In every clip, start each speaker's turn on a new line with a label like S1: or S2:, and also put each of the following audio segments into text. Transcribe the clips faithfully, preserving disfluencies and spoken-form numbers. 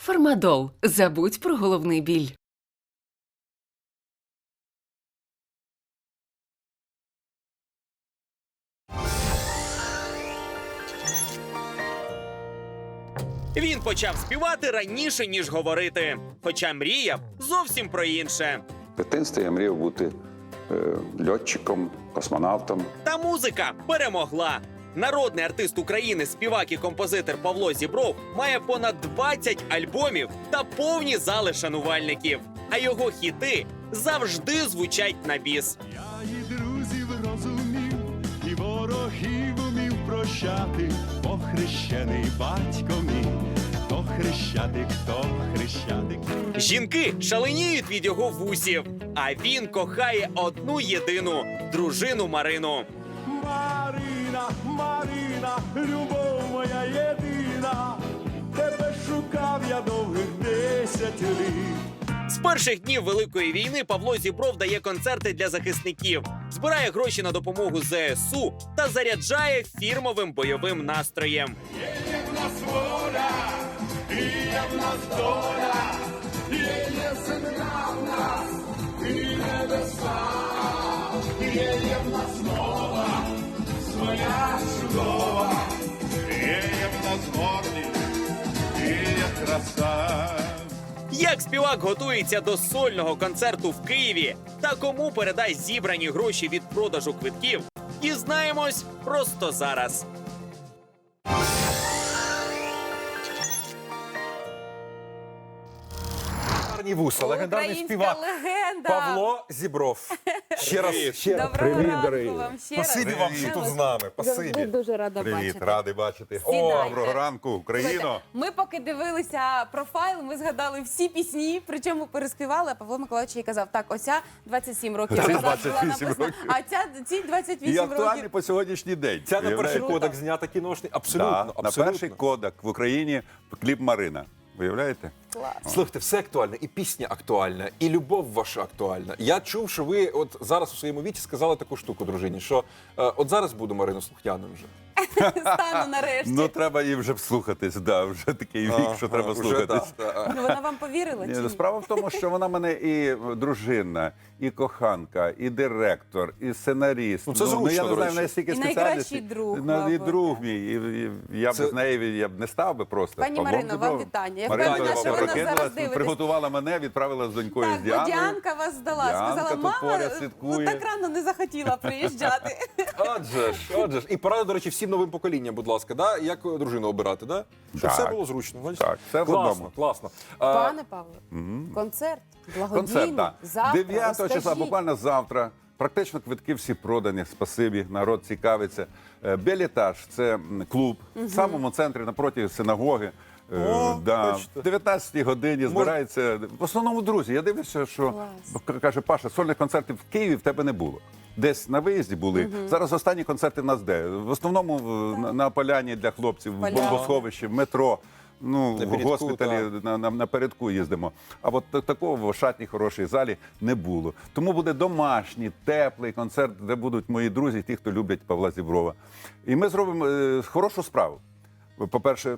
S1: Фармадол. Забудь про головний біль.
S2: Він почав співати раніше, ніж говорити. Хоча мріяв зовсім про інше.
S3: В дитинстві я мріяв бути е, льотчиком, космонавтом.
S2: Та музика перемогла. Народний артист України, співак і композитор Павло Зібров має понад двадцять альбомів та повні зали шанувальників. А його хіти завжди звучать на біс.
S4: Я і друзів розумів, і ворогів умів прощати, бо хрещений батько мій, то хрещатик, то хрещатик.
S2: Жінки шаленіють від його вусів, а він кохає одну єдину дружину Марину.
S4: Марина, Марина, любов моя єдина, тебе шукав я довгих десять літ.
S2: З перших днів Великої війни Павло Зібров дає концерти для захисників, збирає гроші на допомогу зе ес у та заряджає фірмовим бойовим настроєм.
S4: Є в нас воля, і є в нас доля, є, є земля в нас, і небеса, є, є в нас мова, своя чудова, є, є в нас гордість, і є краса.
S2: Як співак готується до сольного концерту в Києві та кому передасть зібрані гроші від продажу квитків, дізнаємось просто зараз.
S5: Гарні вуса, легендарний
S6: Українська
S5: співак
S6: легенда.
S5: Павло Зібров. Ще раз, ще раз.
S6: Доброго
S5: Привіт,
S6: ранку
S5: дорогі.
S6: вам ще раз.
S5: Спасибі вам, що тут з нами.
S6: Завжди
S5: Спасибі.
S6: дуже рада
S7: Привіт,
S6: бачити.
S7: радий бачити.
S6: Сідайте.
S7: Доброго ранку, Україно.
S6: Слухайте, ми поки дивилися профайл, ми згадали всі пісні, причому переспівали, а Павло Миколаївич їй казав, так, оця двадцять сім років
S7: Це
S6: назад була
S7: двадцять вісім
S6: написана,
S7: років.
S6: а ця, ці двадцять
S7: І
S6: вісім
S7: актуальний
S6: років.
S7: по сьогоднішній день.
S5: Ця на перший
S7: Уявляєте?
S5: кодек знята кіношний. Абсолютно,
S7: Да,
S5: абсолютно.
S7: на перший кодек в Україні кліп Марина. Виявляєте?
S6: Клас.
S5: Слухайте, все актуальне, і пісня актуальна, і любов ваша актуальна. Я чув, що ви от зараз у своєму віці сказали таку штуку, дружині, що е, от зараз буду Марину слухняним вже.
S6: Стану нарешті.
S7: Ну, треба їй вже вслухатись, да, вже такий вік, що треба
S5: Вже,
S7: слухатись.
S5: да, да.
S6: Ну, вона вам повірила чи
S7: Ні,
S6: ні?
S7: справа в тому, що вона мене і дружина, і коханка, і директор, і сценаріст.
S5: Ну, це зручно,
S7: я не
S5: до
S7: знаю,
S5: речі.
S7: в неї стільки
S6: І
S7: спеціальностей.
S6: найкращий друг,
S7: Ну, і
S6: мабуть,
S7: друг
S6: так.
S7: мій. І, і я
S5: Це-
S7: б з нею я б не став би просто.
S6: Пані
S7: Павлом
S6: Марино, вам
S7: Зібровим.
S6: вітання. Я
S7: Марина
S5: впевнена, що
S7: Зіброва
S5: ви нас
S6: зараз
S7: прокинулась,
S6: дивитесь.
S7: приготувала мене, відправила з донькою
S6: Так,
S7: з
S6: бо
S7: Діаною.
S6: Діанка вас здала,
S7: Діанка
S6: сказала,
S7: тут
S6: мама,
S7: поряд
S6: ну
S7: слідкує.
S6: так рано не захотіла приїжджати.
S5: Отже ж, отже ж. І порада, до речі, всім новим поколінням, будь ласка, да? Як дружину обирати, да? Щоб
S7: Так.
S5: все було зручно. Бачите?
S7: Так, все в
S5: класно,
S7: одному.
S5: класно. А,
S6: Пане Павло, концерт благодійний,
S7: Концерт, так.
S6: завтра,
S7: дев'ятого числа,
S6: розкажіть.
S7: буквально завтра. Практично квитки всі продані, спасибі, народ цікавиться. Е, Белітаж – це м, клуб в самому центрі, напроти синагоги. Е,
S5: О,
S7: да.
S5: бачите.
S7: В дев'ятнадцятій годині збирається, в основному друзі. Я дивлюся, що, к- каже Паша, сольних концертів в Києві в тебе не було. Десь на виїзді були. Зараз останні концерти в нас де? В основному в- на, на поляні для хлопців, в
S6: Поляна.
S7: бомбосховищі, в метро. Ну,
S5: На
S7: в
S5: передку,
S7: госпіталі на, на, на передку їздимо. А от та- такого в шатній хорошій залі не було. Тому буде домашній, теплий концерт, де будуть мої друзі, ті, хто люблять Павла Зіброва. І ми зробимо е, хорошу справу. По-перше,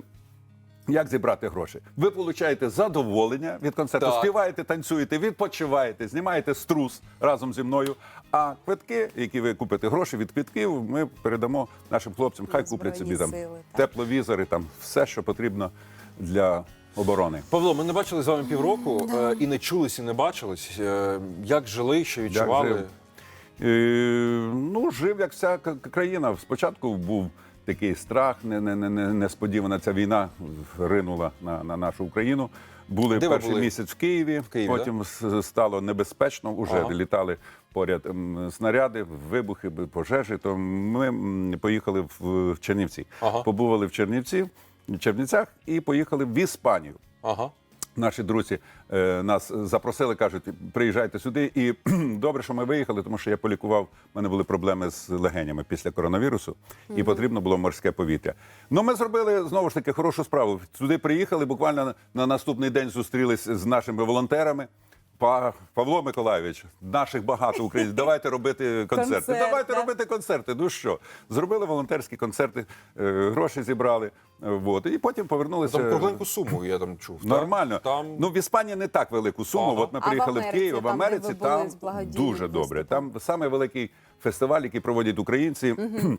S7: як зібрати гроші? Ви отримуєте задоволення від концерту,
S5: Так.
S7: співаєте, танцюєте, відпочиваєте, знімаєте струс разом зі мною. А квитки, які ви купите гроші від квитків, ми передамо нашим хлопцям. Хай
S6: На
S7: куплять собі
S6: Збройні
S7: там
S6: Сили, так.
S7: тепловізори, там все, що потрібно для оборони.
S5: Павло, ми не бачили з вами півроку е, і не чулись, і не бачились. Е, Як жили, що відчували?
S7: жив? Е, ну, жив, як вся к- країна. Спочатку був такий страх, не, не, не, не- несподівана ця війна ринула на, на нашу Україну. Були
S5: Де ви
S7: перший
S5: були?
S7: місяць в Києві,
S5: Києві,
S7: потім с- стало небезпечно, вже
S5: Ага.
S7: літали поряд м, снаряди, вибухи, пожежі. То ми м, поїхали в, в Чернівці.
S5: Ага.
S7: Побували в Чернівці, в Чернівцях і поїхали в Іспанію.
S5: Ага.
S7: Наші друзі е, нас запросили, кажуть, приїжджайте сюди. І добре, що ми виїхали, тому що я полікував, в мене були проблеми з легенями після коронавірусу, і потрібно було морське повітря. Ну, ми зробили, знову ж таки, хорошу справу. Сюди приїхали, буквально на, на наступний день зустрілись з нашими волонтерами, Па- Павло Миколайович, наших багато українців, давайте робити концерти.
S6: Концерт,
S7: давайте
S6: да.
S7: робити концерти. Ну що, зробили волонтерські концерти, е, гроші зібрали, е, вот, і потім повернулися.
S5: Там кругленьку суму, я там чув. так?
S7: Нормально.
S5: Там...
S7: Ну, в Іспанії не так велику суму.
S5: Ага.
S7: От ми
S6: А в
S7: приїхали в,
S6: Америці,
S7: Київ, в
S6: там, де
S7: Америці
S6: ви були
S7: там
S6: з благодійним
S7: дуже добре.
S6: виступом?
S7: Там саме великий фестиваль, який проводять українці.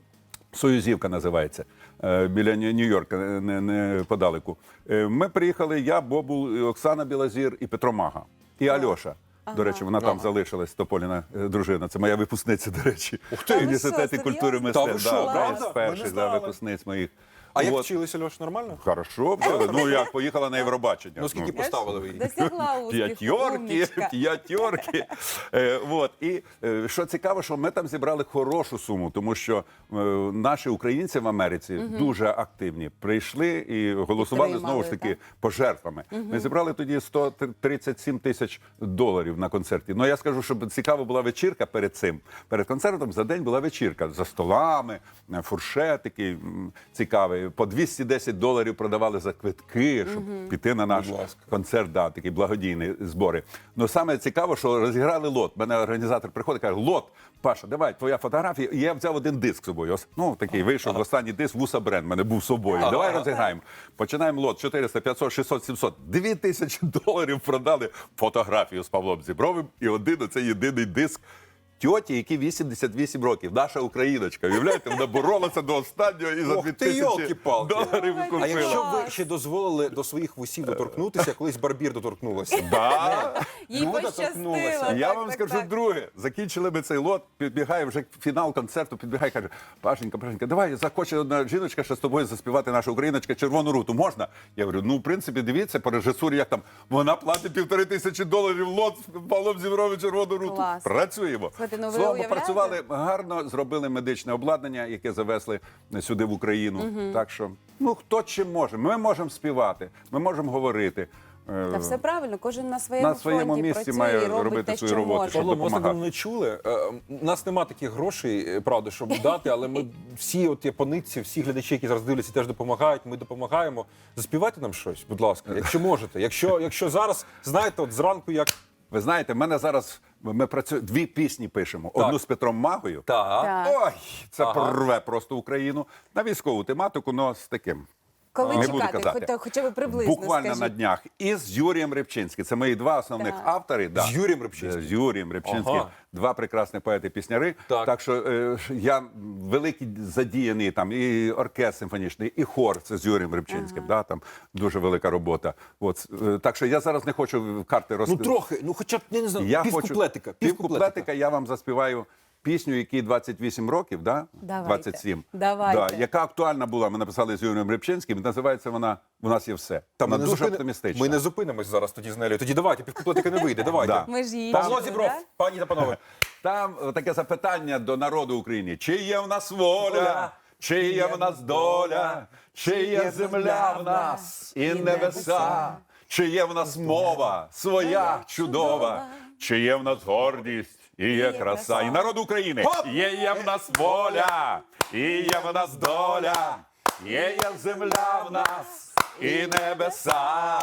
S7: Союзівка називається, е, біля Нью- Нью-Йорка, не, не подалеку. Е, Ми приїхали, я, Бобул, Оксана Білозір і Петро Мага. І Альоша. До речі, вона там залишилась, Тополіна е, дружина. Це моя випускниця, до речі. Ух
S6: ти!
S7: В
S6: Та ви
S7: університеті
S6: що,
S7: культури
S6: серйозно?
S5: Та ви
S7: мистецтв.
S5: що,
S7: Да,
S5: правда?
S7: одна з
S5: Ми не
S7: перших да,
S5: знали.
S7: випускниць моїх.
S5: А як
S7: От.
S5: вчилися, Льош, нормально?
S7: Хорошо, вчили. Ну як, поїхала на Євробачення.
S5: Ну, скільки поставили ви її?
S6: Досягла успіху,
S7: П'ятьорки,
S6: умничка.
S7: п'ятьорки. Е, вот. І е, що цікаво, що ми там зібрали хорошу суму, тому що е, наші українці в Америці дуже активні. Прийшли і голосували
S6: Підтримали,
S7: знову ж таки
S6: так?
S7: пожертвами. Ми зібрали тоді сто тридцять сім тисяч доларів на концерті. Ну я скажу, щоб цікава була вечірка перед цим. Перед концертом за день була вечірка за столами, е, фуршетики м, цікаві. По двісті десять доларів продавали за квитки, щоб піти на наш
S5: Будь ласка.
S7: концерт, да, такі благодійні збори. Ну саме цікаво, що розіграли лот. Мене організатор приходить, каже: лот, Паша, давай, твоя фотографія. І я взяв один диск з собою. Ось, ну такий вийшов останній диск, Вуса Бренд, мене був з собою. Давай розіграємо. Починаємо лот чотириста, п'ятсот, шістсот, сімсот. Дві тисячі доларів продали фотографію з Павлом Зібровим і один оцей єдиний диск. Тьоті, які вісімдесят вісім років, наша україночка. Уявляєте, вона боролася до останнього і за
S5: Ох
S7: дві
S5: ти,
S7: тисячі
S5: йолки-палки.
S7: доларів
S6: Ой,
S7: купила.
S5: А якщо
S6: Клас.
S5: ви ще дозволили до своїх вусів доторкнутися, колись Барбір доторкнулася.
S7: Да.
S6: Їй
S5: Люда
S6: пощастило.
S5: торкнулася.
S7: Я
S6: так,
S7: вам
S6: так,
S7: скажу
S6: так.
S7: друге. Закінчили ми цей лот, підбігає вже фінал концерту, підбігає, каже: Пашенька, Пашенька, давай, захоче одна жіночка ще з тобою заспівати наша україночка «Червону руту». Можна? Я говорю, ну, в принципі, дивіться, по режисурі, як там, вона платить півтори тисячі доларів лот з Павлом Зібровим «Червону руту».
S6: Клас.
S7: Працюємо.
S6: Слухайте, ну ви
S7: Словом,
S6: уявляєте?
S7: попрацювали гарно, зробили медичне обладнання, яке завезли сюди в Україну. Так що, ну, хто чим може. Ми можемо співати, ми можемо говорити. Е,
S6: Та все правильно, кожен на своєму,
S7: На своєму
S6: фронті
S7: місці
S6: працює
S7: має
S6: і робить
S7: робити
S6: те,
S7: свою
S6: що
S7: роботу,
S6: може.
S7: щоб
S5: Павло, ми вас
S7: допомагати.
S5: давно не чули. Е, У нас нема таких грошей, е, правда, щоб дати, але ми всі от японці, всі глядачі, які зараз дивляться, теж допомагають. Ми допомагаємо. Заспівайте нам щось, будь ласка, якщо можете. Якщо, якщо зараз, знаєте, от зранку як.
S7: Ви знаєте, в мене зараз ми працюємо, дві пісні пишемо.
S5: Так.
S7: Одну з Петром Магою.
S5: Так.
S6: Так.
S7: Ой, це
S5: Ага.
S7: порве просто Україну на військову тематику, але з таким.
S6: Коли
S7: Не буду
S6: чекати,
S7: казати.
S6: хоч, хоча б приблизно
S7: Буквально
S6: скажіть.
S7: на днях. І з Юрієм Рибчинським. Це мої два основних
S6: Так.
S7: автори. Да.
S5: З Юрієм Рибчинським?
S7: З Юрієм Рибчинським.
S5: Ага.
S7: Два прекрасні поети-пісняри.
S5: Так.
S7: Так що е, я великий задіяний, там і оркестр симфонічний, і хор. Це з Юрієм Рибчинським. Да, там дуже велика робота. От, е, так що я зараз не хочу карти
S5: Ну
S7: розкривати.
S5: трохи, ну хоча б, я не знаю,
S7: Я
S5: півкуплетика.
S7: хочу півкуплетика я вам заспіваю пісню, якій двадцять вісім років, да?
S6: Давайте.
S7: двадцять сім.
S6: Давайте.
S7: Да, яка актуальна була. Ми написали з Юрієм Рибчинським. Називається вона «У нас є все».
S5: Та ми
S7: Вона
S5: не
S7: дуже
S5: зупини-
S7: оптимістична.
S5: Ми не зупинимось зараз тоді з Нелею. Тоді давайте, півкуплетика не вийде, давайте.
S7: Да.
S6: Ми ж її
S5: Павло
S6: чули,
S5: Зібров,
S6: да?
S5: пані та панове.
S7: Там е, таке запитання до народу України. Чи є в нас воля? Чи є в нас доля? Чи є земля в нас і небеса? Чи є в нас мова своя чудова? Чи є в нас гордість і є краса? І народ України. Є є в нас воля, і є в нас доля. Є є земля в нас і небеса.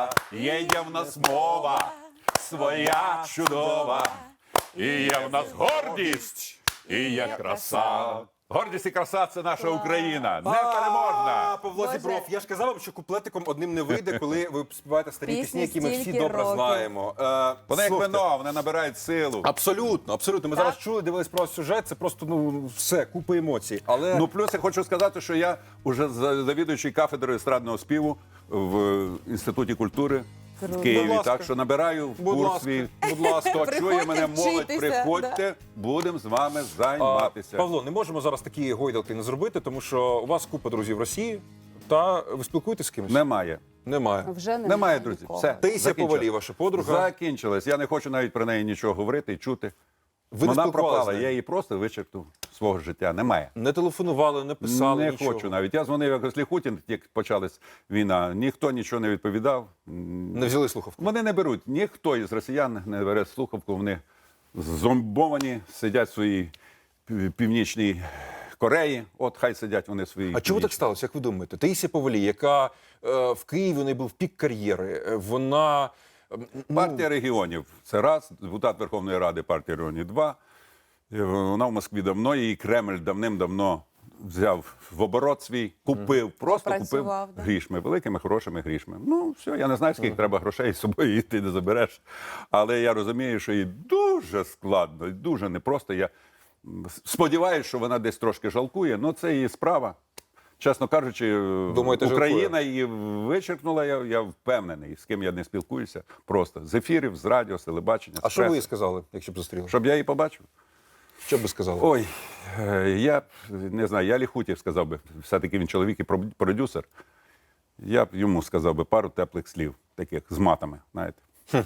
S7: Є є в нас мова своя чудова. І є в нас гордість, і є краса. Гордість і краса – це наша Україна. Непереможна.
S5: А, Павло
S6: Боже.
S5: Зібров, я ж казав вам, що куплетиком одним не вийде, коли ви співаєте старі
S6: Пісні
S5: пісні, які ми всі
S6: стільки
S5: добре
S6: років.
S5: знаємо. Е,
S7: Вони як
S5: слухайте,
S7: вино, вони набирають силу.
S5: Абсолютно, абсолютно. Ми
S6: Так.
S5: зараз чули, дивились про сюжет, це просто ну все, купа емоцій. Але
S7: Ну, плюс я хочу сказати, що я вже за- завідуючий кафедрою естрадного співу в Інституті культури
S6: Круто.
S7: в Києві.
S5: Будь ласка.
S7: Так що набираю
S5: Будь
S7: курс
S5: ласка,
S7: свій.
S5: будь ласка.
S7: Хто чує мене,
S6: Приходьте
S7: молодь,
S6: вчитися,
S7: приходьте, будемо з вами
S5: А,
S7: займатися.
S5: Павло, не можемо зараз такі гойдалки не зробити, тому що у вас купа друзів в Росії, та ви спілкуєтесь з кимось?
S7: Немає.
S5: Немає.
S6: Вже немає,
S7: Немає, друзі.
S6: нікого.
S7: Все.
S5: Таїсія
S7: закінчилось.
S5: Повалій, ваша подруга.
S7: Закінчилось. Я не хочу навіть про неї нічого говорити і чути.
S5: Ви не
S7: Вона
S5: спілкувалися з
S7: пропала,
S5: нею?
S7: я її просто вичеркнув з свого життя. Немає.
S5: Не телефонували, не писали
S7: Не
S5: нічого.
S7: хочу навіть. Я дзвонив якось Ліхутін, як почалась війна. Ніхто нічого не відповідав.
S5: Не взяли слухавку.
S7: Вони не беруть. Ніхто із росіян не бере слухавку. Вони зомбовані, сидять в своїй пів- північній Кореї. От хай сидять вони в своїй.
S5: А чому так
S7: північній.
S5: сталося, як ви думаєте? Таїсія Повалій, яка е, в Києві у неї був пік кар'єри, е, вона ну,
S7: Партія регіонів це раз, депутат Верховної Ради партії регіонів два. Е, Вона в Москві давно, її Кремль давним-давно взяв в оборот свій, купив, просто купив
S6: Запрацював, да.
S7: грішми, великими, хорошими грішми. Ну, все, я не знаю, скільки треба грошей з собою її ти не забереш. Але я розумію, що їй дуже складно, і дуже непросто. Я сподіваюся, що вона десь трошки жалкує, але це її справа. Чесно кажучи,
S5: Думаєте,
S7: Україна
S5: жалкує?
S7: її вичеркнула, я, я впевнений, з ким я не спілкуюся. Просто з ефірів, з радіо, з телебачення,
S5: А
S7: з
S5: що ви їй
S7: преси.
S5: сказали, якщо б зустріли?
S7: Щоб я її побачив?
S5: Що б ви сказали?
S7: Ой, е, я б, не знаю, я Ліхутєв сказав би, все-таки він чоловік і про- продюсер. Я б йому сказав би пару теплих слів, таких з матами, знаєте.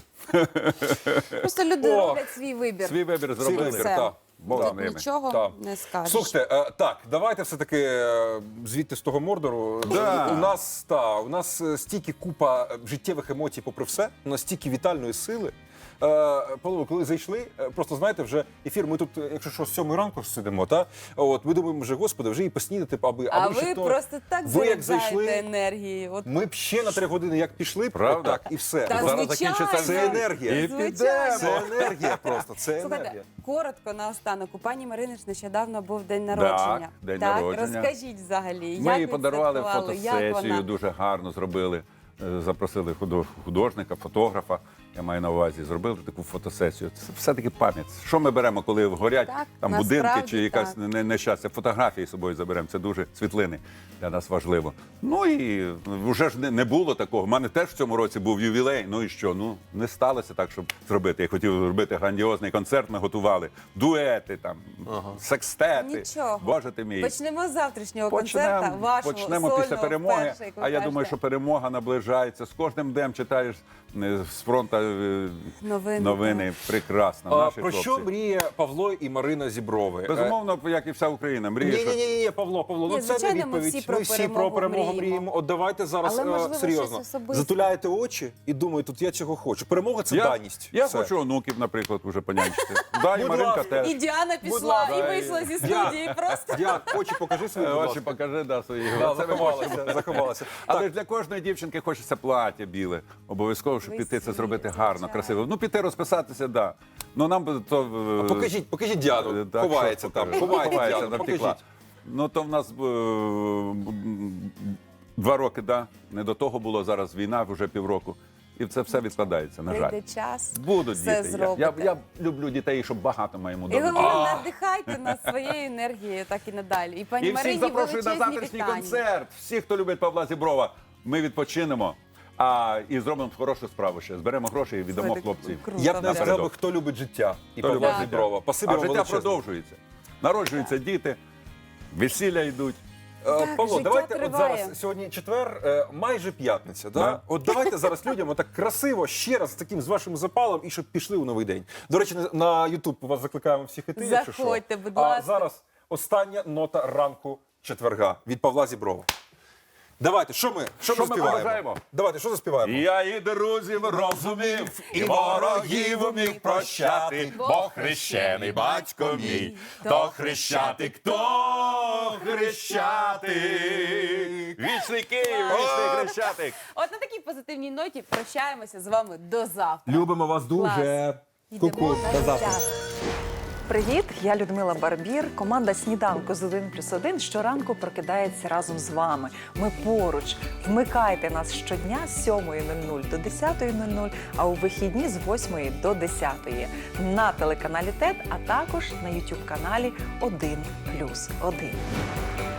S6: Просто люди
S5: Ох.
S6: роблять свій вибір.
S7: Свій вибір
S5: Свій
S7: зробили.
S5: вибір,
S6: Все.
S5: так.
S7: Бог
S6: Тут
S7: з ними.
S6: нічого
S5: Так.
S6: не скажеш.
S5: Слухайте, е, так, давайте все-таки е, звідти з того Мордору.
S7: Да.
S5: У нас та, у нас е, стільки купа е, життєвих емоцій, попри все, у нас стільки вітальної сили. Е, Павло, коли зайшли, е, просто знаєте, вже ефір. Ми тут, е, якщо що, з сьомої ранку сидимо, та от ми думаємо, вже господи, вже і поснідати, аби
S6: А
S5: аби ще
S6: ви
S5: то.
S6: просто так
S5: ви як
S6: заряджаєте
S5: зайшли,
S6: енергією. От
S5: ми б ще на три години як пішли,
S7: Правда?
S5: так і все.
S6: Та,
S7: Зараз
S6: звичайно.
S7: закінчиться
S5: Це енергія.
S7: І
S6: Звичайно.
S7: підемо.
S5: Це енергія просто, це
S6: Слухайте,
S5: енергія.
S6: коротко наостанок. У пані Марини ж нещодавно був день народження.
S7: день
S6: так,
S7: народження.
S6: розкажіть взагалі, як
S7: Ми їй подарували
S6: відсвяткували, як
S7: фотосесію,
S6: вона?
S7: дуже гарно зробили. Е, Запросили худо- художника, фотографа, я маю на увазі, зробили таку фотосесію. Це все-таки пам'ять. Що ми беремо, коли горять
S6: Так,
S7: там будинки
S6: насправді
S7: чи якась
S6: так.
S7: не- нещастя? Фотографії з собою заберемо. Це дуже світлини для нас важливо. Ну і вже ж не, не було такого. У мене теж в цьому році був ювілей. Ну і що? Ну не сталося так, щоб зробити. Я хотів зробити грандіозний концерт. Ми готували дуети, там секстети.
S6: Нічого.
S7: Боже ти мій.
S6: Почнемо з завтрашнього концерта, вашого
S7: почнемо
S6: сольного,
S7: після перемоги.
S6: вперше, як ви
S7: а я думаю,
S6: кажете.
S7: що перемога наближається. З кожним днем читаєш е, з фронту е,
S6: Новини,
S7: новини. Прекрасно.
S5: А,
S7: Наші
S5: про
S7: хлопці.
S5: що мріє Павло і Марина Зіброви?
S7: Безумовно, як і вся Україна, мріє,
S5: Ні,
S7: що
S5: ні, ні, ні, Павло, Павло,
S6: Ні,
S5: ну це не
S6: звичайно, ми
S5: відповідь.
S6: всі про
S5: Ми всі про
S6: перемогу
S5: перемогу
S6: мріємо.
S5: мріємо. От давайте зараз
S6: Але,
S5: е,
S6: можливо,
S5: серйозно.
S6: щось особисте.
S5: Затуляєте очі і думаєте, тут я цього хочу. Перемога це
S7: я,
S5: даність.
S7: я
S5: Все.
S7: хочу онуків, наприклад, уже понянчити. Да, і
S5: Будь
S7: Маринка
S5: ласка.
S7: теж.
S6: І Діана
S5: Будь
S6: пішла,
S5: ласка.
S6: і вийшла зі студії просто.
S5: Діан, очі покажи свої,
S7: Е,
S5: будь
S7: Очі
S5: ласка.
S7: покажи, да, свої.
S5: Да,
S7: Це ми
S5: заховалася, заховалася.
S7: Але
S5: Так,
S7: ж для кожної дівчинки хочеться плаття біле. Обов'язково, щоб піти це
S6: Весілля,
S7: зробити гарно,
S6: звичайно.
S7: красиво. Ну, піти розписатися, да. Ну нам би то. е,
S5: покажіть, покажіть Діану.
S7: е, так,
S5: Ховається
S7: що
S5: там.
S7: покажу?
S5: Ховається,
S7: Ховається,
S5: Діану,
S7: там втекла.
S5: покажіть.
S7: Ну то в нас е, м, два роки, да. Не до того було зараз війна, вже півроку. І це все відкладається, на жаль.
S6: Прийде час,
S7: Будуть
S6: все
S7: діти. Я,
S6: зробите.
S7: я, я люблю дітей, щоб багато моєму
S6: І
S7: дому.
S6: головне, надихайте нас своєю енергією, так і надалі. І пані
S7: І всіх
S6: Марині
S7: запрошую на
S6: величезні
S7: завтрашній
S6: вітання.
S7: концерт. Всі, хто любить Павла Зіброва, ми відпочинемо. А і зробимо хорошу справу ще. Зберемо гроші і віддамо
S6: Слухайте,
S7: хлопців.
S6: круто,
S5: Я б не
S6: правда.
S5: сказав, би, хто любить життя. І
S7: Хто
S5: Павла
S7: любить
S5: Зіброва. Спасибі
S7: А
S5: вам
S7: життя
S5: величезне.
S7: продовжується. Народжуються діти, весілля йдуть.
S5: Е,
S6: Так,
S5: Павло,
S6: життя
S5: давайте от
S6: триває.
S5: зараз сьогодні четвер, е, майже п'ятниця. Да?
S7: Да.
S5: От давайте зараз людям отак красиво ще раз з таким з вашим запалом і щоб пішли у новий день. До речі, на- на Ютуб вас закликаємо всіх іти. якщо що.
S6: Заходьте, будь
S5: А
S6: ласка.
S5: зараз остання нота ранку четверга від Павла Зіброва. Давайте, що ми, що
S7: Що
S5: ми
S7: ми
S5: заспіваємо?
S7: побажаємо?
S5: Давайте, що заспіваємо?
S7: Я і друзів розумів, і ворогів умів прощати, бо хрещений батько мій, то хрещатик, то хрещатик. Вічний Київ, вічний хрещатик.
S6: От на такій позитивній ноті прощаємося з вами до завтра.
S5: Любимо вас дуже.
S6: Йдемо
S5: Ку-ку,
S6: на
S5: до завтра.
S6: життя.
S8: Привіт, я Людмила Барбір. Команда «Сніданку з один плюс один» щоранку прокидається разом з вами. Ми поруч. Вмикайте нас щодня з сьомої нуль нуль до десятої нуль нуль, а у вихідні з восьмої до десятої на телеканалі ТЕТ, а також на ютуб каналі один плюс один.